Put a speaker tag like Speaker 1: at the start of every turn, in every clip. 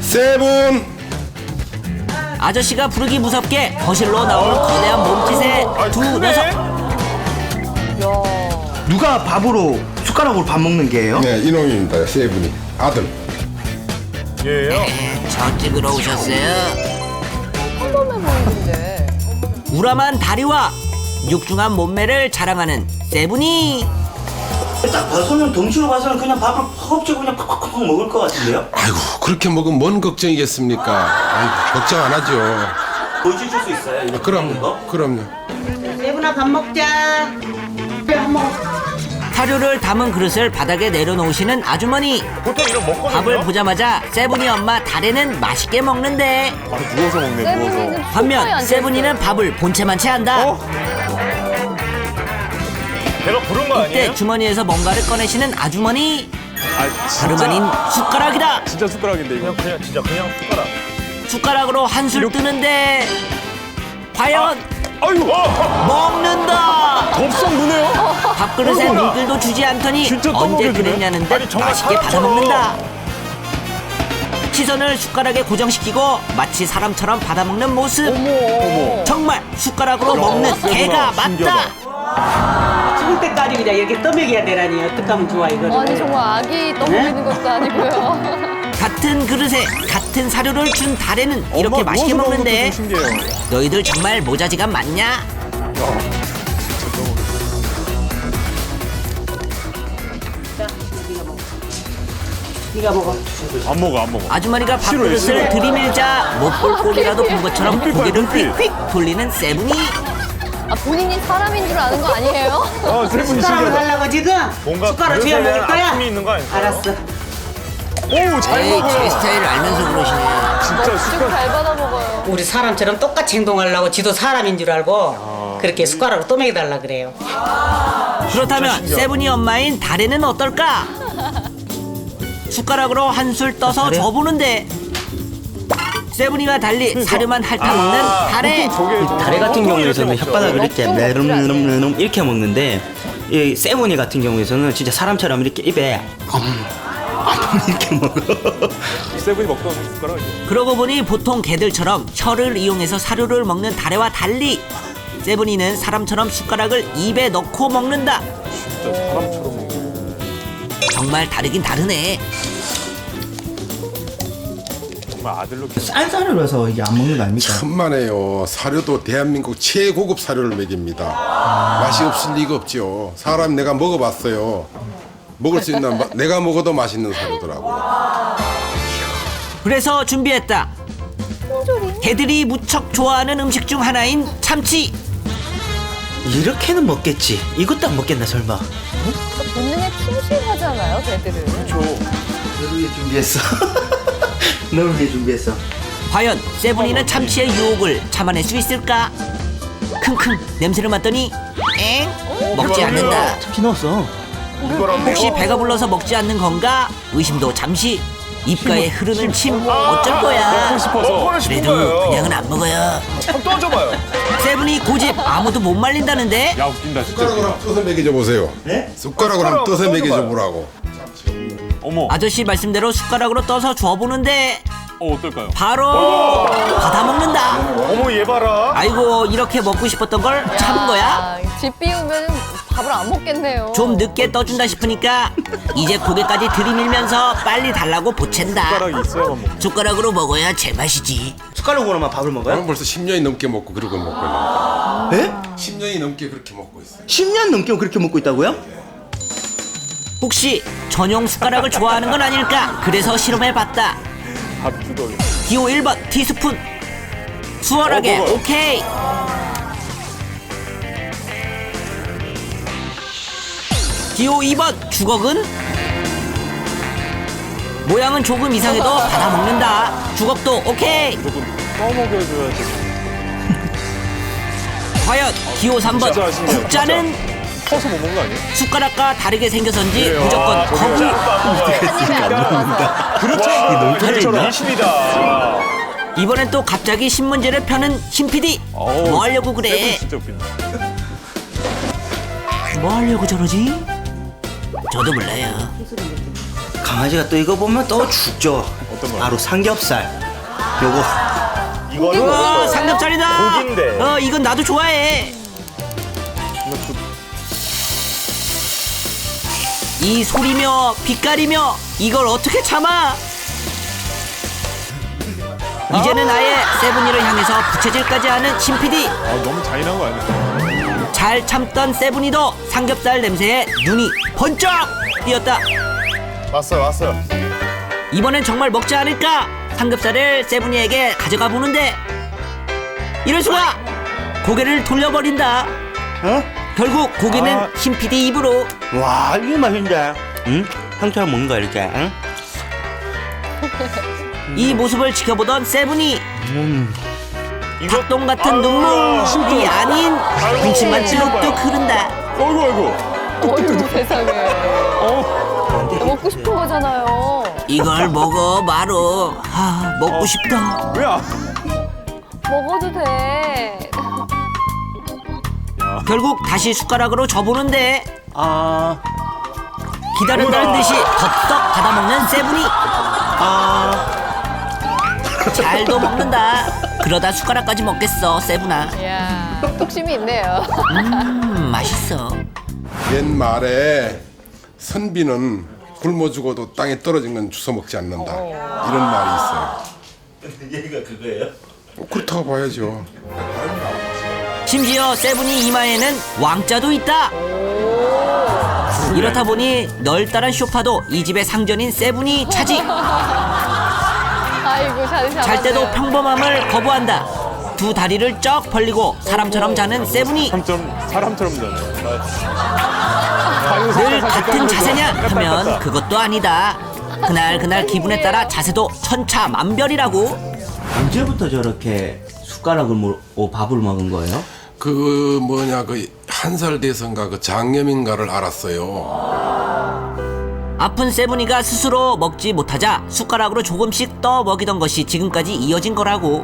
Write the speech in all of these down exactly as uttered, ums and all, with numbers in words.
Speaker 1: 세븐.
Speaker 2: 아저씨가 부르기 무섭게 거실로 나오는 거대한 몸짓의 두 녀석.
Speaker 3: 누가 밥으로 숟가락으로 밥 먹는 게예요?
Speaker 1: 네, 이놈입니다. 세븐이 아들.
Speaker 4: 예요.
Speaker 2: 저 찍으러 오셨어요?
Speaker 5: 평범해 보이는데.
Speaker 2: 우람한 다리와 육중한 몸매를 자랑하는 세븐이.
Speaker 3: 딱 봐서는 덩치로 봐서는 그냥 밥을 허겁지겁 그냥 팍팍팍 먹을 것 같은데요?
Speaker 1: 아이고 그렇게 먹으면 뭔 걱정이겠습니까? 아이고 걱정 안 하죠.
Speaker 3: 보여주실 수 있어요? 이렇게 먹는 거?
Speaker 1: 그럼요. 그럼요.
Speaker 6: 세분아 밥 먹자. 그래 밥 먹어.
Speaker 2: 사료를 담은 그릇을 바닥에 내려놓으시는 아주머니.
Speaker 4: 보통 이런 먹거든요.
Speaker 2: 밥을 보자마자 세븐이 엄마 다래는 맛있게 먹는데,
Speaker 4: 바로 누워서 먹네. 누워서.
Speaker 5: 세븐이는
Speaker 2: 반면 세븐이는 밥을 본체만 채한다.
Speaker 4: 어? 내가 부른 거
Speaker 2: 이때
Speaker 4: 아니에요?
Speaker 2: 주머니에서 뭔가를 꺼내시는 아주머니.
Speaker 4: 아
Speaker 2: 다름 아닌 숟가락이다.
Speaker 4: 진짜 숟가락인데 이거. 그냥 그냥 진짜 그냥 숟가락.
Speaker 2: 숟가락으로 한술 뜨는데 과연
Speaker 4: 아유.
Speaker 2: 먹는다.
Speaker 4: 덥석 누네요.
Speaker 2: 밥그릇에
Speaker 4: 어이구야.
Speaker 2: 물들도 주지 않더니
Speaker 4: 진짜
Speaker 2: 언제
Speaker 4: 떠먹여주네.
Speaker 2: 그랬냐는 듯
Speaker 4: 아니, 정말
Speaker 2: 맛있게
Speaker 4: 사람처럼.
Speaker 2: 받아먹는다. 시선을 숟가락에 고정시키고 마치 사람처럼 받아먹는 모습.
Speaker 5: 어머.
Speaker 2: 정말 숟가락으로 먹는
Speaker 4: 세구나.
Speaker 2: 개가 맞다.
Speaker 4: 신기하다.
Speaker 6: 죽을 때까지 그냥 이렇게 떠먹여야 되라니 어떡하면 좋아 이거를.
Speaker 5: 아니 정말 아기 떠먹이는 것도 아니고요.
Speaker 2: 같은 그릇에 같은 사료를 준 다래는 이렇게
Speaker 4: 엄마
Speaker 2: 맛있게
Speaker 4: 누워서 먹는
Speaker 2: 먹는데
Speaker 4: 것도 좀 신기해요.
Speaker 2: 너희들 정말 모자지간 맞냐?
Speaker 6: 네가 먹어.
Speaker 4: 안 먹어 안 먹어.
Speaker 2: 아주머니가
Speaker 4: 싫어요,
Speaker 2: 밥그릇을
Speaker 4: 싫어요.
Speaker 2: 들이밀자 못볼 꼴이라도 본 것처럼
Speaker 4: 눈빛 봐,
Speaker 2: 고개를
Speaker 4: 눈빛.
Speaker 2: 휙휙 돌리는 세븐이.
Speaker 5: 아 본인이 사람인 줄 아는 거 아니에요?
Speaker 4: 아 세븐이
Speaker 6: 숟가락을
Speaker 4: 신기하다.
Speaker 6: 달라고 지금?
Speaker 4: 뭔가
Speaker 6: 숟가락 줘야
Speaker 4: 그릇에
Speaker 6: 먹을 거야?
Speaker 4: 아픔이 있는 거 아닐까요?
Speaker 6: 알았어.
Speaker 4: 오잘
Speaker 2: 에이, 제
Speaker 4: 먹어요.
Speaker 2: 스타일을 알면서 그러시네.
Speaker 4: 진짜
Speaker 5: 쭉
Speaker 4: 숟가락.
Speaker 5: 잘 받아 먹어요.
Speaker 6: 우리 사람처럼 똑같이 행동하려고 지도 사람인 줄 알고 그렇게 숟가락으로 떠먹여 달라 그래요.
Speaker 2: 그렇다면 세븐이 엄마인 다래는 어떨까? 숟가락으로 한술 떠서 줘보는데 세븐이와 달리 사료만 핥아먹는 다래.
Speaker 4: 저게
Speaker 3: 다래 같은 경우에는 혓바닥을 이렇게
Speaker 5: 먹죠,
Speaker 3: 내름내름 이렇게 먹는데 이 세모니 같은 경우에는 진짜 사람처럼 이렇게 입에 이렇게 먹어.
Speaker 4: 세븐이 먹던 숟가락이죠.
Speaker 2: 그러고 보니 보통 개들처럼 혀를 이용해서 사료를 먹는 다래와 달리 세븐이는 사람처럼 숟가락을 입에 넣고 먹는다.
Speaker 4: 진짜 사람처럼 먹는.
Speaker 2: 정말 다르긴 다르네.
Speaker 4: 정말 아들로 키.
Speaker 3: 싼 사료라서 이게 안 먹는 거 아닙니까?
Speaker 1: 천만에요. 사료도 대한민국 최고급 사료를 먹입니다. 맛이 없을 리가 없죠. 사람 내가 먹어봤어요. 먹을 수 있는 마- 내가 먹어도 맛있는 사료더라고요.
Speaker 2: 그래서 준비했다. 개들이 무척 좋아하는 음식 중 하나인 참치.
Speaker 3: 이렇게는 먹겠지. 이것도 안 먹겠나 설마?
Speaker 5: 본능에 충실하잖아요, 개들은.
Speaker 4: 그렇죠.
Speaker 3: 너를 위해 준비했어. 너를 위해 준비했어.
Speaker 2: 과연 세븐이는 참치의 유혹을 참아낼 수 있을까? 킁킁 냄새를 맡더니 엥? 먹지 않는다.
Speaker 3: 참치 넣었어.
Speaker 4: 이거랑
Speaker 2: 혹시 배가 불러서 먹지 않는 건가? 의심도 잠시. 입가에 흐르는 침 어쩔 거야.
Speaker 4: 먹고 싶어서. 먹고는 싶은
Speaker 2: 그래도
Speaker 4: 거예요.
Speaker 2: 그냥은 안 먹어요.
Speaker 4: 한번 떠줘봐요.
Speaker 2: 세븐이 고집 아무도 못 말린다는데.
Speaker 4: 야 웃긴다 진짜.
Speaker 1: 숟가락으로 한번 떠서 먹여줘 보세요.
Speaker 3: 네?
Speaker 1: 숟가락으로 한번 떠서
Speaker 4: 숟가락
Speaker 1: 먹여줘
Speaker 4: 떠줘봐요.
Speaker 1: 보라고.
Speaker 4: 어머.
Speaker 2: 아저씨 말씀대로 숟가락으로 떠서 줘보는데
Speaker 4: 어 어떨까요?
Speaker 2: 바로 받아 먹는다.
Speaker 4: 어머 얘 봐라.
Speaker 2: 아이고 이렇게 먹고 싶었던 걸 참은 거야?
Speaker 5: 아, 집 비우면 밥을 안 먹겠네요.
Speaker 2: 좀 늦게 떠준다 싶으니까 이제 고개까지 들이밀면서 빨리 달라고 보챈다.
Speaker 4: 숟가락이 있어야만 먹.
Speaker 2: 숟가락으로 먹어야 제맛이지.
Speaker 3: 숟가락으로만 밥을 먹어요?
Speaker 1: 저는 벌써 십 년이 넘게 먹고 그러고 먹고 있는데
Speaker 3: 에?
Speaker 1: 십 년이 넘게 그렇게 먹고 있어요.
Speaker 3: 십 년 넘게 그렇게 먹고 있다고요?
Speaker 2: 혹시 전용 숟가락을 좋아하는 건 아닐까? 그래서 실험해봤다.
Speaker 4: 밥 주덕이.
Speaker 2: 기호 일 번 티스푼. 수월하게
Speaker 4: 어, 먹어요.
Speaker 2: 오케이. 기호 이 번 주걱은 모양은 조금 이상해도 받아 먹는다. 주걱도 오케이.
Speaker 4: 조금 떠먹여줘야지.
Speaker 2: 과연 기호 삼 번
Speaker 4: 진짜 신기해요,
Speaker 2: 국자는
Speaker 4: 커서 못 먹는 거 아니에요?
Speaker 2: 숟가락과 다르게 생겨서인지
Speaker 4: 그래요.
Speaker 2: 무조건
Speaker 4: 아,
Speaker 2: 거부.
Speaker 4: 저거요.
Speaker 5: 한 입에 안 들어가서.
Speaker 4: 그렇죠.
Speaker 3: 있나?
Speaker 4: 일심이다.
Speaker 2: 이번엔 또 갑자기 신문지를 펴는 신 피디.
Speaker 4: 어우,
Speaker 2: 뭐 하려고 그래?
Speaker 4: 세븐 진짜 웃긴다.
Speaker 2: 뭐 하려고 저러지? 저도 몰라요.
Speaker 3: 강아지가 또 이거 보면 또 죽죠.
Speaker 4: 어떤 거?
Speaker 3: 바로 삼겹살. 요거
Speaker 4: 이거는
Speaker 2: 우와,
Speaker 4: 뭐예요?
Speaker 2: 삼겹살이다.
Speaker 4: 고기인데.
Speaker 2: 어, 이건 나도 좋아해. 이 소리며 빛깔이며 이걸 어떻게 참아? 이제는 아예 세븐이를 향해서 부채질까지 하는 신피디.
Speaker 4: 아, 너무 잔인한 거 아니야?
Speaker 2: 잘 참던 세븐이도 삼겹살 냄새에 눈이 번쩍 띄었다.
Speaker 4: 왔어요, 왔어요.
Speaker 2: 이번엔 정말 먹지 않을까? 삼겹살을 세븐이에게 가져가 보는데 이럴 수가! 고개를 돌려버린다.
Speaker 3: 어?
Speaker 2: 결국 고기는
Speaker 4: 아.
Speaker 2: 신피디 입으로.
Speaker 3: 와 이게 맛있는데. 응? 상처럼 먹는 거야 이렇게. 응?
Speaker 2: 이 모습을 지켜보던 세븐이
Speaker 4: 이거
Speaker 2: 닭똥 같은
Speaker 4: 아유,
Speaker 2: 눈물이 아닌 군침만 찌룩뚝 흐른다.
Speaker 4: 어이구, 어이구.
Speaker 5: 어휴 세상에.
Speaker 4: 어,
Speaker 5: 먹고 싶은 거잖아요.
Speaker 2: 이걸 먹어 바로. 아, 먹고 싶다.
Speaker 4: 왜 안?
Speaker 5: 먹어도 돼.
Speaker 2: 결국 다시 숟가락으로 져보는데
Speaker 3: 아,
Speaker 2: 기다린다는 듯이 덥석 받아먹는 세븐이.
Speaker 3: 아,
Speaker 2: 잘도 먹는다. 그러다 숟가락까지 먹겠어 세븐아.
Speaker 5: 이야 뚝심이 있네요.
Speaker 2: 음, 맛있어.
Speaker 1: 옛말에 선비는 굶어 죽어도 땅에 떨어진 건 주워 먹지 않는다. 이런 말이 있어요.
Speaker 3: 얘가 그거예요?
Speaker 1: 어, 그렇다고 봐야죠.
Speaker 2: 심지어 세븐이 이마에는 왕자도 있다. 이렇다 보니 널따란 쇼파도 이 집의 상전인 세븐이 차지.
Speaker 5: 아이고 자리 잡았네요.
Speaker 2: 잘 때도 평범함을 거부한다. 두 다리를 쩍 벌리고 사람처럼 자는 세븐이.
Speaker 4: 사람처럼, 사람처럼 자네.
Speaker 2: 늘 같은 자세냐 하면 그것도 아니다. 그날 그날 기분에 따라 자세도 천차만별이라고.
Speaker 3: 언제부터 저렇게 숟가락을 먹고 밥을 먹은 거예요?
Speaker 1: 그 뭐냐 그 한 살 돼서인가 그 장염인가를 알았어요.
Speaker 2: 아픈 세븐이가 스스로 먹지 못하자 숟가락으로 조금씩 떠 먹이던 것이 지금까지 이어진 거라고.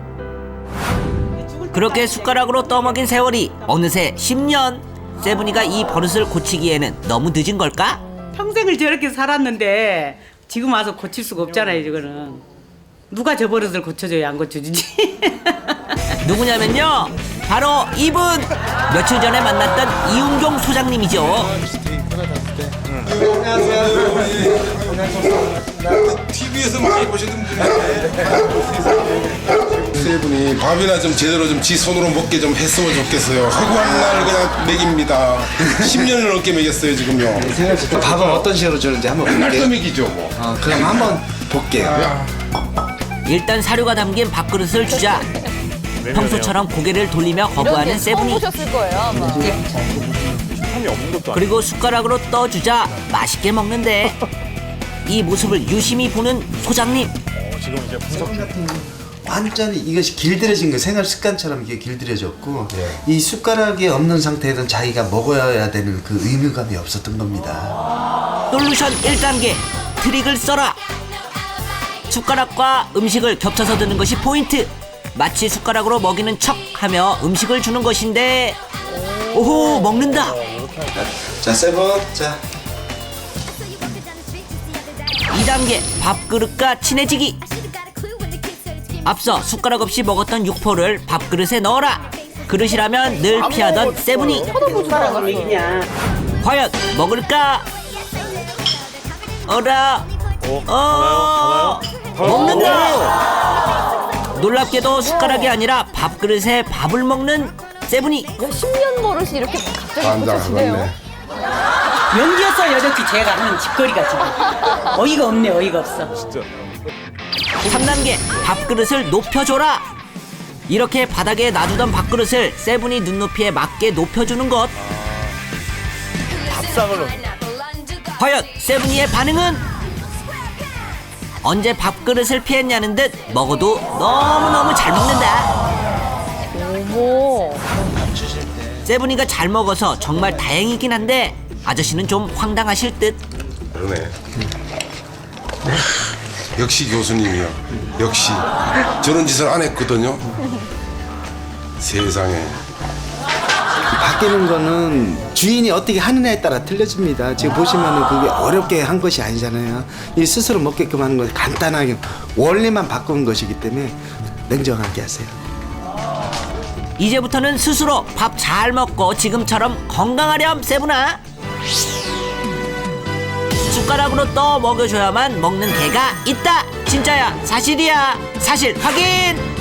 Speaker 2: 그렇게 숟가락으로 떠먹인 세월이 어느새 십 년. 세븐이가 이 버릇을 고치기에는 너무 늦은 걸까?
Speaker 7: 평생을 저렇게 살았는데 지금 와서 고칠 수가 없잖아요. 이거는 누가 저 버릇을 고쳐줘야 안 고쳐주지.
Speaker 1: 누구냐면요,
Speaker 2: 바로 이분! 며칠 전에 만났던 이웅종 소장님이죠.
Speaker 1: 티비에서 많이 보시던 분인데 세 분이 밥이나 좀 제대로 좀 지 손으로 먹게 좀 했으면 좋겠어요. 허구한 날 그냥 먹입니다. 십 년을 넘게 먹였어요 지금요.
Speaker 8: 밥은 어떤 식으로 주는지 한번
Speaker 1: 맨날
Speaker 8: 볼게요.
Speaker 1: 또 먹이죠 뭐.
Speaker 8: 어, 그럼 한번 볼게요.
Speaker 2: 일단 사료가 담긴 밥그릇을 주자 평소처럼 고개를 돌리며
Speaker 5: 이런
Speaker 2: 거부하는
Speaker 5: 게 처음
Speaker 2: 세븐이.
Speaker 5: 보셨을 거예요 아마.
Speaker 4: 식탐이 없는 것도 아니고.
Speaker 2: 그리고 숟가락으로 떠주자 맛있게 먹는데 이 모습을 유심히 보는 소장님.
Speaker 4: 지금 이제 분석.
Speaker 8: 완전히 이것이 길들여진 거 생활 습관처럼 이게 길들여졌고 이 숟가락이 없는 상태에선 자기가 먹어야 되는 그 의무감이 없었던 겁니다.
Speaker 2: 솔루션 일 단계 트릭을 써라. 숟가락과 음식을 겹쳐서 드는 것이 포인트. 마치 숟가락으로 먹이는 척하며 음식을 주는 것인데 오호 먹는다.
Speaker 8: 자, 세번 자.
Speaker 2: 이 단계 밥그릇과 친해지기. 앞서 숟가락 없이 먹었던 육포를 밥그릇에 넣어라. 그릇이라면 늘 피하던 세븐이. 과연 먹을까? 어라. 어. 먹는다. 놀랍게도 숟가락이 아니라 밥그릇에 밥을 먹는 세븐이.
Speaker 5: 야, 십 년 버릇이 이렇게 갑자기
Speaker 1: 반장
Speaker 5: 고쳐지네요.
Speaker 1: 맞네.
Speaker 7: 연기였어 여전히 제가 하는 짓거리가 지금. 어이가 없네 어이가 없어.
Speaker 4: 진짜.
Speaker 2: 삼 단계 밥그릇을 높여줘라. 이렇게 바닥에 놔두던 밥그릇을 세븐이 눈높이에 맞게 높여주는 것.
Speaker 4: 밥상을 넣는.
Speaker 2: 과연 세븐이의 반응은? 언제 밥그릇을 피했냐는 듯 먹어도 너무너무 잘 먹는다.
Speaker 5: 어머.
Speaker 2: 세븐이가 잘 먹어서 정말 다행이긴 한데 아저씨는 좀 황당하실 듯.
Speaker 1: 그러네. 역시 교수님이요. 역시 저런 짓을 안 했거든요. 세상에.
Speaker 8: 바뀌는 거는 주인이 어떻게 하느냐에 따라 틀려집니다. 지금 보시면은 그게 어렵게 한 것이 아니잖아요. 이 스스로 먹게끔 하는 건 간단하게 원리만 바꾸는 것이기 때문에 냉정하게 하세요.
Speaker 2: 이제부터는 스스로 밥 잘 먹고 지금처럼 건강하렴 세분아. 숟가락으로 떠 먹여줘야만 먹는 개가 있다. 진짜야, 사실이야. 사실 확인.